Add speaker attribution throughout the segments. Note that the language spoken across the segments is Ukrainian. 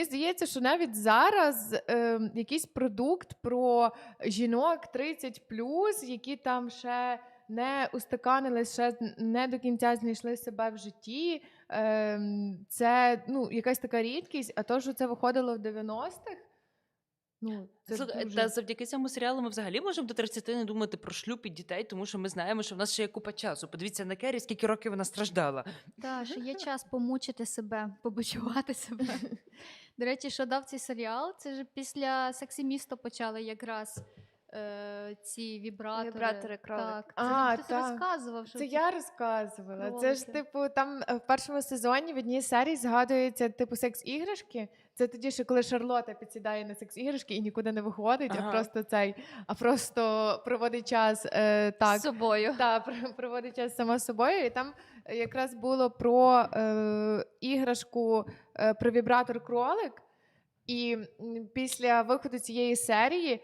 Speaker 1: здається, що навіть зараз якийсь продукт про жінок 30+, які там ще не устаканились, ще не до кінця знайшли себе в житті. Це якась така рідкість, а то, що це виходило в 90-х, це
Speaker 2: Слухай,
Speaker 1: дуже...
Speaker 2: та завдяки цьому серіалу ми взагалі можемо до 30 не думати про шлюб і дітей, тому що ми знаємо, що в нас ще є купа часу. Подивіться на Керрі, скільки років вона страждала.
Speaker 3: Так, що є час помучити себе, побочувати себе. До речі, що дав цей серіал, це ж після «Сексі місто» почали якраз ці вібратори.
Speaker 4: Вібратори, кролик.
Speaker 3: Так, це ж хтось
Speaker 1: так.
Speaker 3: розказував, що
Speaker 1: Це я розказувала. Це ж,
Speaker 3: кролики.
Speaker 1: типу, там в першому сезоні в одній серії згадується, типу, секс-іграшки. Це тоді, що коли Шарлота підсідає на секс-іграшки і нікуди не виходить,
Speaker 2: Ага.
Speaker 1: а просто проводить час так.
Speaker 4: З собою.
Speaker 1: Проводить час сама з собою. І там якраз було про іграшку, про вібратор кролик. І після виходу цієї серії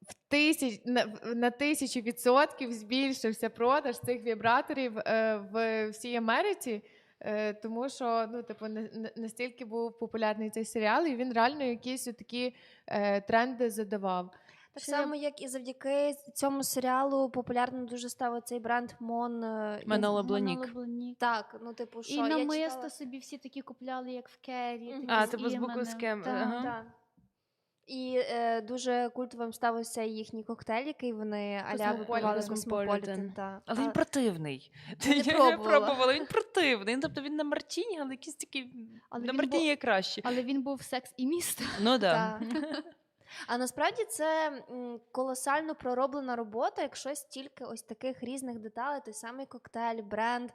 Speaker 1: на 1000% збільшився продаж цих вібраторів в всій Америці, тому що настільки був популярний цей серіал, і він реально якісь такі тренди задавав.
Speaker 4: Так само, як і завдяки цьому серіалу популярним дуже став цей бренд
Speaker 2: Маноло Бланік.
Speaker 3: Монолоблонік.
Speaker 4: Так, типу, що
Speaker 3: І
Speaker 4: я
Speaker 3: намисто
Speaker 4: читала...
Speaker 3: собі всі такі купляли, як в Керрі.
Speaker 4: Мгм.
Speaker 3: такі
Speaker 2: Типу з буквою
Speaker 3: іменем.
Speaker 2: «Скем».
Speaker 3: Так.
Speaker 2: Ага.
Speaker 4: Так. І дуже культовим став ось цей їхній коктейль, який вони аля
Speaker 1: Cosmopolitan.
Speaker 4: випивали
Speaker 2: Cosmopolitan.
Speaker 4: Cosmopolitan.
Speaker 2: Але він противний.
Speaker 4: не
Speaker 2: Я
Speaker 4: пробувала.
Speaker 2: пробувала, він противний. Тобто він на Мартіні, але якийсь такий...
Speaker 3: Але
Speaker 2: на
Speaker 3: він
Speaker 2: Мартіні є краще.
Speaker 3: Але він був «Секс і місто».
Speaker 2: Ну да.
Speaker 4: А насправді це колосально пророблена робота, якщо стільки ось таких різних деталей, той самий коктейль, бренд.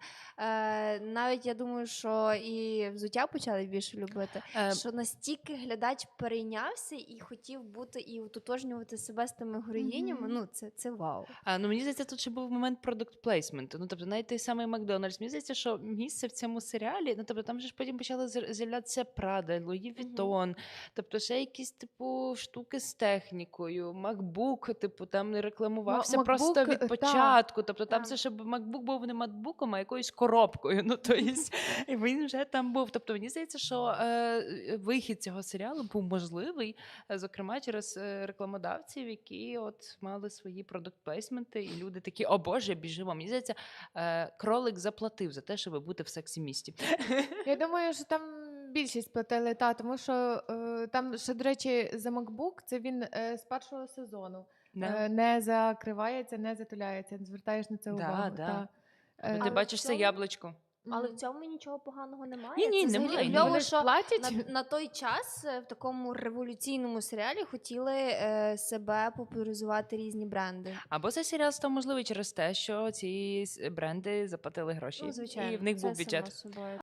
Speaker 4: Навіть я думаю, що і взуття почали більше любити, що настільки глядач перейнявся і хотів бути і утотожнювати себе з тими героїнями.
Speaker 3: Мгм.
Speaker 4: Це вау.
Speaker 2: Мені здається, тут ще був момент продукт плейсменту. Тобто навіть той самий Макдональдс. Мені здається, що місце в цьому серіалі, тобто там же ж потім почали з'являтися Прада, Луї Вітон, тобто ще якісь типу штуки з технікою, MacBook, типу, там не рекламувався
Speaker 1: MacBook,
Speaker 2: просто від
Speaker 1: так.
Speaker 2: початку. Тобто там
Speaker 4: Так.
Speaker 2: це ще MacBook був не MacBookом, а якоюсь коробкою. Тобто він вже там був. Тобто мені здається, що вихід цього серіалу був можливий, зокрема через рекламодавців, які от мали свої продукт-плейсменти, і люди такі: о Боже, біжимо. Мені здається, кролик заплатив за те, щоб бути в сексі-місті.
Speaker 1: Я думаю, що там більшість платили, тому що там ще, до речі, за MacBook, це він з першого сезону. Не закривається, не затуляється. Звертаєш на це увагу.
Speaker 2: да.
Speaker 1: Та.
Speaker 2: Ти
Speaker 4: Але
Speaker 2: бачиш
Speaker 4: в
Speaker 2: це
Speaker 4: цьому-
Speaker 2: яблучко.
Speaker 4: Але в цьому нічого поганого немає.
Speaker 2: Ні,
Speaker 4: Це
Speaker 2: немає.
Speaker 4: взагалі
Speaker 2: Ну,
Speaker 4: кльово,
Speaker 1: Вони ж
Speaker 4: що
Speaker 1: платять.
Speaker 4: на той час в такому революційному серіалі хотіли себе популяризувати різні бренди.
Speaker 2: Або цей серіал став можливий через те, що ці бренди заплатили гроші.
Speaker 4: Ну, звичайно,
Speaker 2: І в них
Speaker 4: це
Speaker 2: був бюджет.
Speaker 4: само собою.